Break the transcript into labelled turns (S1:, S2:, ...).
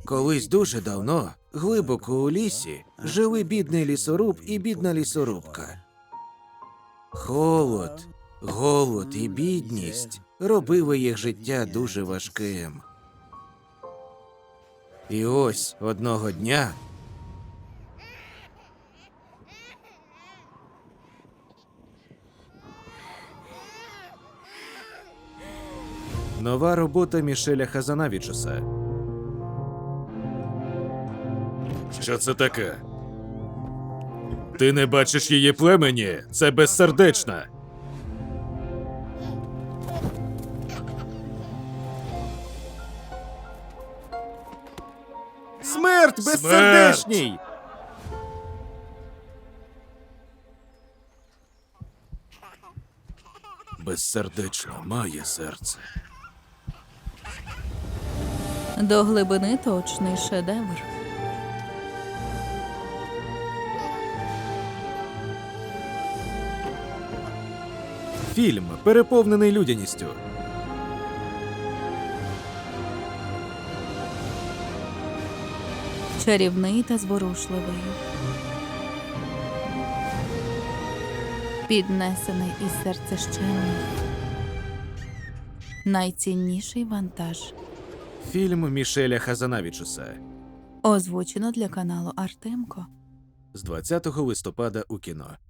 S1: Колись дуже давно, глибоко у лісі, жили бідний лісоруб і бідна лісорубка. Холод, голод і бідність робили їх життя дуже важким. І ось одного дня нова робота Мішеля Хазанавічуса.
S2: Що це таке? Ти не бачиш її племені? Це безсердечна.
S1: Смерть безсердечній!
S2: Безсердечна має серце.
S3: До глибини точний шедевр.
S1: Фільм, переповнений людяністю.
S3: Чарівний та зворушливий. Піднесений із серцещемних. Найцінніший вантаж.
S1: Фільм Мішеля Хазанавічуса
S3: Озвучено для каналу Артемко.
S1: з 20 листопада у кіно.